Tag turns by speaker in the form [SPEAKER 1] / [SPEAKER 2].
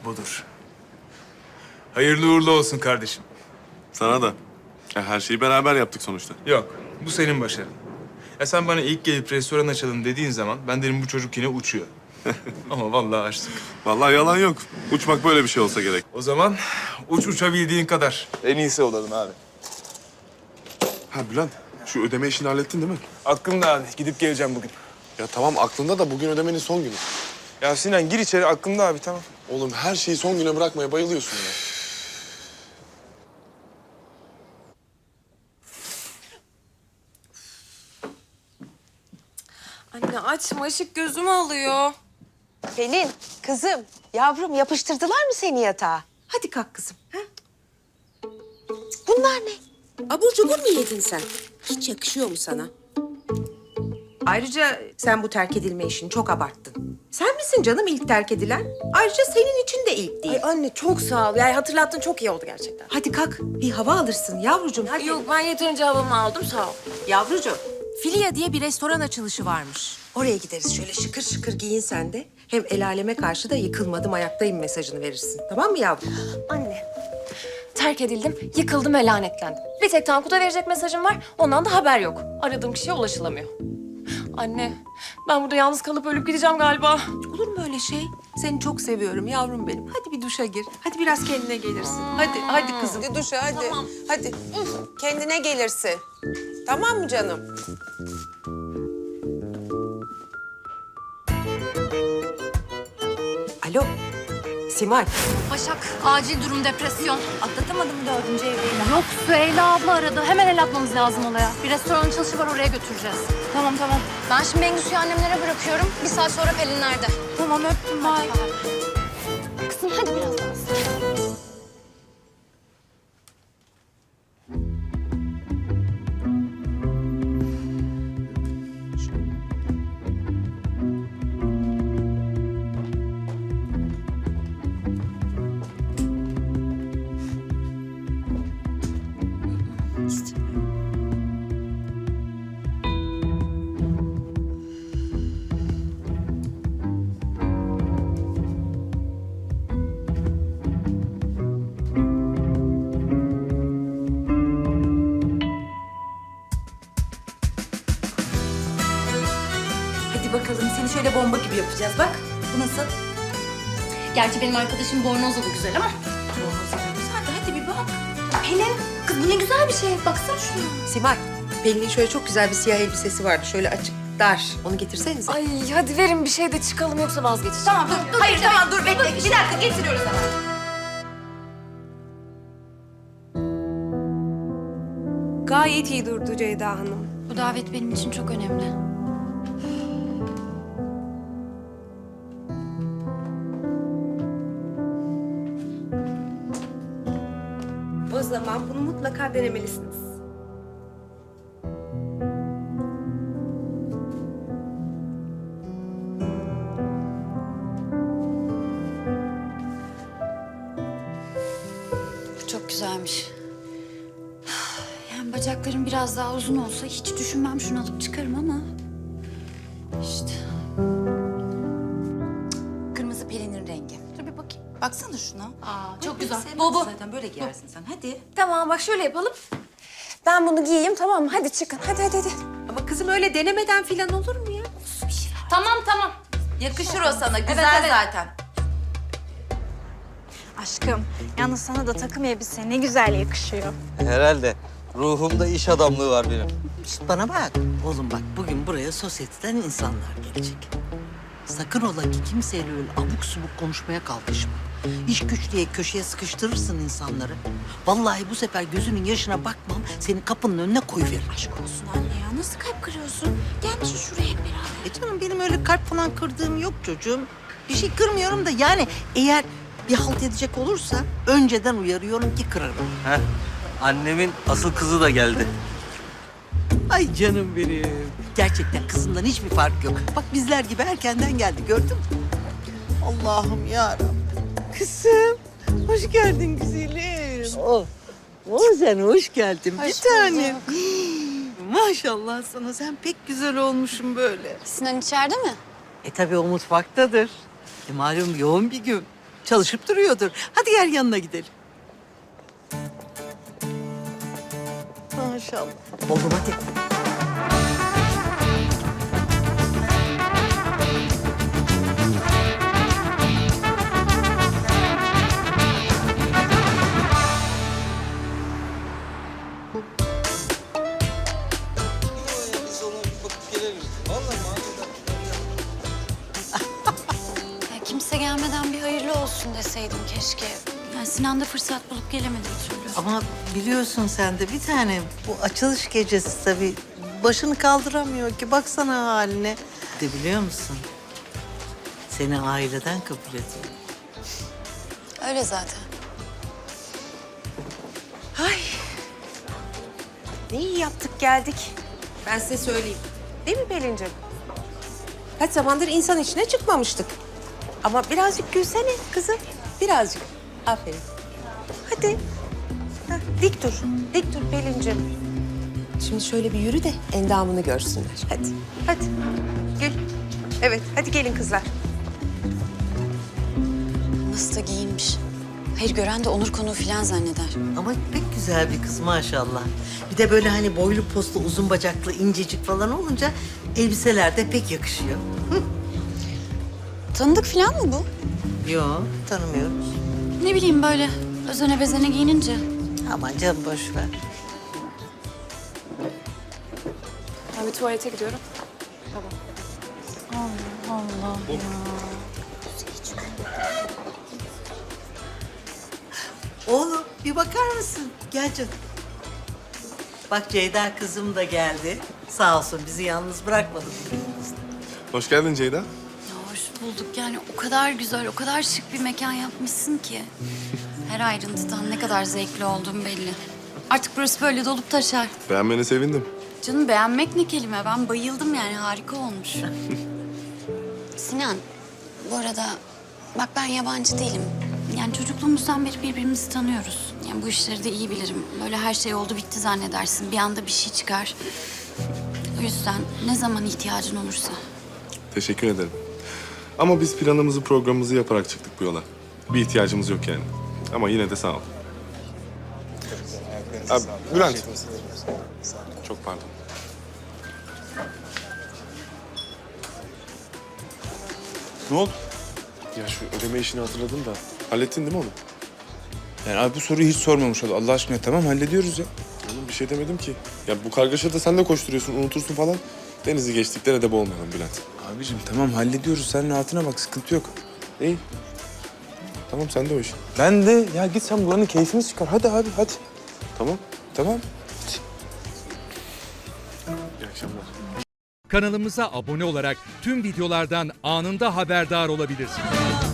[SPEAKER 1] budur. Hayırlı uğurlu olsun kardeşim.
[SPEAKER 2] Sana da. Ya her şeyi beraber yaptık sonuçta.
[SPEAKER 1] Yok, bu senin başarın. Ya sen bana ilk gelip restoran açalım dediğin zaman ben dedim bu çocuk yine uçuyor. Ama vallahi açtık.
[SPEAKER 2] Vallahi yalan yok. Uçmak böyle bir şey olsa gerek.
[SPEAKER 1] O zaman uçabildiğin kadar. En iyisi olalım abi.
[SPEAKER 2] Ha Bülent, şu ödeme işini hallettin değil mi?
[SPEAKER 1] Aklımda abi. Gidip geleceğim bugün.
[SPEAKER 2] Ya tamam aklında da bugün ödemenin son günü.
[SPEAKER 1] Ya Sinan gir içeri. Aklımda abi tamam.
[SPEAKER 2] Oğlum her şeyi son güne bırakmaya bayılıyorsun ya.
[SPEAKER 3] Anne açma, ışık gözümü alıyor.
[SPEAKER 4] Pelin, kızım, yavrum yapıştırdılar mı seni yatağa? Hadi kalk kızım. Ha? Bunlar ne? Abur cubur mu yedin sen? Hiç yakışıyor mu sana? Ayrıca sen bu terk edilme işini çok abarttın. Sen misin canım ilk terk edilen? Ayrıca senin için de ilk değil.
[SPEAKER 3] Ay anne çok sağ ol. Yani hatırlattın çok iyi oldu gerçekten.
[SPEAKER 4] Hadi kalk, bir hava alırsın yavrucuğum. Hadi.
[SPEAKER 3] Yok ben yeterince havamı aldım sağ ol.
[SPEAKER 4] Yavrucuğum,
[SPEAKER 5] Filia diye bir restoran açılışı varmış.
[SPEAKER 4] oraya gideriz. Şöyle şıkır şıkır giyin sen de. Hem el aleme karşı da yıkılmadım, ayaktayım mesajını verirsin. Tamam mı yavrum?
[SPEAKER 3] Anne terk edildim, yıkıldım ve lanetlendim. Bir tek Tankut'a verecek mesajım var. Ondan da haber yok. Aradığım kişiye ulaşılamıyor. Anne ben burada yalnız kalıp ölüp gideceğim galiba.
[SPEAKER 4] Olur mu öyle şey? Seni çok seviyorum yavrum benim. Hadi bir duşa gir. Hadi biraz kendine gelirsin. Hadi kızım. Hadi duşa hadi.
[SPEAKER 3] Tamam.
[SPEAKER 4] Hadi. Kendine gelirsin. Tamam mı canım? Alo. Simay.
[SPEAKER 5] Başak, acil durum depresyon. Atlatamadım 4. evliliğini. Yok, Süheyla abla aradı. Hemen el atmamız lazım olaya. Bir restoran açılışı var, oraya götüreceğiz. Tamam. Ben şimdi Bengüsü'yü annemlere bırakıyorum. Bir saat sonra Pelinler'de. Tamam, öptüm. Bye. Kızım hadi biraz daha.
[SPEAKER 4] Hadi bakalım seni şöyle bomba gibi yapacağız bak. Bu nasıl?
[SPEAKER 5] Gerçi benim arkadaşım bornozla da güzel ama.
[SPEAKER 4] Hadi bir bak.
[SPEAKER 5] Pelin, kız bu ne güzel bir şey. Baksana şuna.
[SPEAKER 4] Simay, Pelin'in şöyle çok güzel bir siyah elbisesi vardı. Şöyle açık, dar. Onu getirsenize.
[SPEAKER 3] Ay hadi verin bir şey de çıkalım yoksa vazgeçeceğim.
[SPEAKER 5] Tamam, dur. Hayır, tamam, dur. Bekle. Bir dakika, getiriyoruz hemen.
[SPEAKER 6] Gayet iyi durdu Ceyda Hanım.
[SPEAKER 5] Bu davet benim için çok önemli.
[SPEAKER 6] O zaman bunu mutlaka denemelisiniz.
[SPEAKER 5] Çok güzelmiş. Yani bacaklarım biraz daha uzun olsa hiç düşünmem şunu alıp çıkarım ama... işte. Kırmızı Pelin'in rengi. Dur bir bakayım. Baksana şuna. Aa, çok güzel. Bu.
[SPEAKER 4] Zaten böyle giyersin sen. Hadi.
[SPEAKER 3] Tamam bak şöyle yapalım. Ben bunu giyeyim tamam mı? Hadi çıkın hadi.
[SPEAKER 4] Ama kızım öyle denemeden falan olur mu ya?
[SPEAKER 5] Tamam.
[SPEAKER 4] Yakışır o sana. Güzel zaten.
[SPEAKER 7] Aşkım, yalnız sana da takım elbise ne güzel yakışıyor.
[SPEAKER 8] Herhalde. Ruhumda iş adamlığı var benim.
[SPEAKER 9] Şişt, bana bak. Oğlum bak bugün buraya sosyeteden insanlar gelecek. Sakın ola ki kimseyle öyle abuk subuk konuşmaya kalkışma. İş güç diye köşeye sıkıştırırsın insanları. Vallahi bu sefer gözünün yaşına bakmam, seni kapının önüne koyuveririm. Aşk olsun anne ya. Nasıl kalp kırıyorsun? Gelmişsin şuraya hep beraber. Canım benim öyle kalp falan kırdığım yok çocuğum. Bir şey kırmıyorum da yani eğer bir halt edecek olursa önceden uyarıyorum ki kırarım.
[SPEAKER 8] Heh. Annemin asıl kızı da geldi.
[SPEAKER 9] Ay canım benim. Gerçekten kızından hiçbir fark yok. Bak bizler gibi erkenden geldi gördün mü? Allah'ım yarabbim. Kızım hoş geldin güzelim. Sen hoş geldin bir tanem. Maşallah sana sen pek güzel olmuşsun böyle.
[SPEAKER 5] Sinan içeride mi?
[SPEAKER 9] Tabii o mutfaktadır. Malum yoğun bir gün. Çalışıp duruyordur. Hadi gel yanına gidelim. Maşallah. Oğlum hadi.
[SPEAKER 8] Biz ona bakıp gelelim. Vallahi
[SPEAKER 5] Ya kimse gelmeden bir hayırlı olsun deseydim keşke. Yani Sinan da fırsat bulup gelemedi bir türlü.
[SPEAKER 9] Ama biliyorsun sen de bir tane bu açılış gecesi tabii başını kaldıramıyor ki. Baksana haline. De biliyor musun? Seni aileden kabul ediyor.
[SPEAKER 5] Öyle zaten.
[SPEAKER 4] Ay. Ne iyi yaptık geldik. Ben size söyleyeyim. Değil mi Pelin'cim? Kaç zamandır insan içine çıkmamıştık. Ama birazcık gülsene kızım. Birazcık. Aferin. Hadi. Heh, dik dur. Dik dur Pelin'cim. Şimdi şöyle bir yürü de endamını görsünler. Hadi. Hadi. Gel. Evet. Hadi gelin kızlar.
[SPEAKER 5] Nasıl da giyinmiş. Hayır gören de onur konuğu falan zanneder.
[SPEAKER 9] Ama pek güzel bir kız maşallah. Bir de böyle hani boylu postlu, uzun bacaklı, incecik falan olunca elbiseler de pek yakışıyor.
[SPEAKER 5] Tanıdık falan mı bu?
[SPEAKER 9] Yok, tanımıyoruz.
[SPEAKER 5] Ne bileyim böyle özene bezene giyinince.
[SPEAKER 9] Aman canım boş ver.
[SPEAKER 3] Ben bir tuvalete gidiyorum.
[SPEAKER 9] Oğlum bir bakar mısın? Gel canım. Bak Ceyda kızım da geldi. Sağ olsun bizi yalnız bırakmadı.
[SPEAKER 2] Hoş geldin Ceyda.
[SPEAKER 5] Ya hoş bulduk yani o kadar güzel, o kadar şık bir mekan yapmışsın ki. Her ayrıntıdan ne kadar zevkli olduğum belli. Artık burası böyle dolup taşar.
[SPEAKER 2] Beğenmene sevindim.
[SPEAKER 5] Canım beğenmek ne kelime? Ben bayıldım yani harika olmuş. Sinan, bu arada bak ben yabancı değilim. Yani çocukluğumuzdan beri birbirimizi tanıyoruz. Yani bu işleri de iyi bilirim. Böyle her şey oldu bitti zannedersin. Bir anda bir şey çıkar. O yüzden ne zaman ihtiyacın olursa.
[SPEAKER 2] Teşekkür ederim. Ama biz planımızı, programımızı yaparak çıktık bu yola. Bir ihtiyacımız yok yani. Ama yine de sağ ol. Abi, Bülent. Çok pardon.
[SPEAKER 1] Ne oldu?
[SPEAKER 2] Ya şu ödeme işini hatırladın da hallettin değil mi onu?
[SPEAKER 1] Yani abi bu soruyu hiç sormamış ol. Allah aşkına tamam hallediyoruz ya.
[SPEAKER 2] Oğlum bir şey demedim ki. Ya bu kargaşada sen de koşturuyorsun, unutursun falan. Denizi geçtiklere de boğmayalım Bülent.
[SPEAKER 1] Abicim tamam hallediyoruz. Sen rahatına bak sıkıntı yok.
[SPEAKER 2] İyi. Tamam sen de o iş.
[SPEAKER 1] Ben de ya git sen buranın keyfini çıkar. Hadi abi hadi.
[SPEAKER 2] Tamam.
[SPEAKER 1] Tamam.
[SPEAKER 2] İyi akşamlar.
[SPEAKER 10] Kanalımıza abone olarak tüm videolardan anında haberdar olabilirsiniz.